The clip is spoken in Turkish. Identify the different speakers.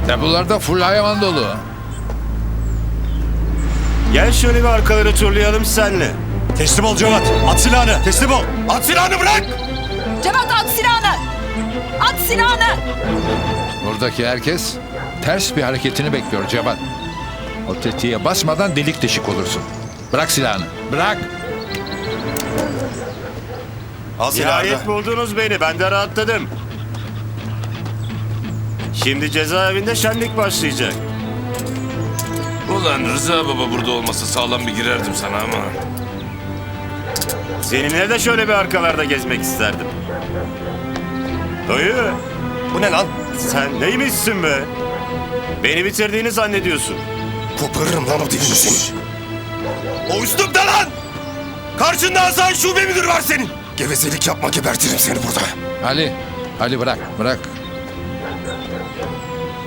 Speaker 1: Depolarda full hayvan dolu.
Speaker 2: Gel şöyle bir arkaları turlayalım senle.
Speaker 3: Teslim ol Cevat. At silahını. Teslim ol. At silahını bırak.
Speaker 4: Cevat at silahını! At silahını!
Speaker 1: Buradaki herkes ters bir hareketini bekliyor Cevat. O tetiğe basmadan delik deşik olursun. Bırak silahını. Bırak.
Speaker 3: Al silahını.
Speaker 2: Nihayet buldunuz beni. Ben de rahatladım. Şimdi cezaevinde şenlik başlayacak.
Speaker 5: Ulan Rıza baba burada olmasa sağlam bir girerdim sana ama.
Speaker 2: Seninle de şöyle bir arkalarda gezmek isterdim. Dayı,
Speaker 3: Bu ne lan?
Speaker 2: sen neymişsin be? Beni bitirdiğini zannediyorsun.
Speaker 3: Koparırım lan o dilini senin. O üstümde lan! Karşında asayiş şube müdürü var senin. Gevezelik yapma, gebertirim seni burada.
Speaker 1: Ali bırak. Bırak.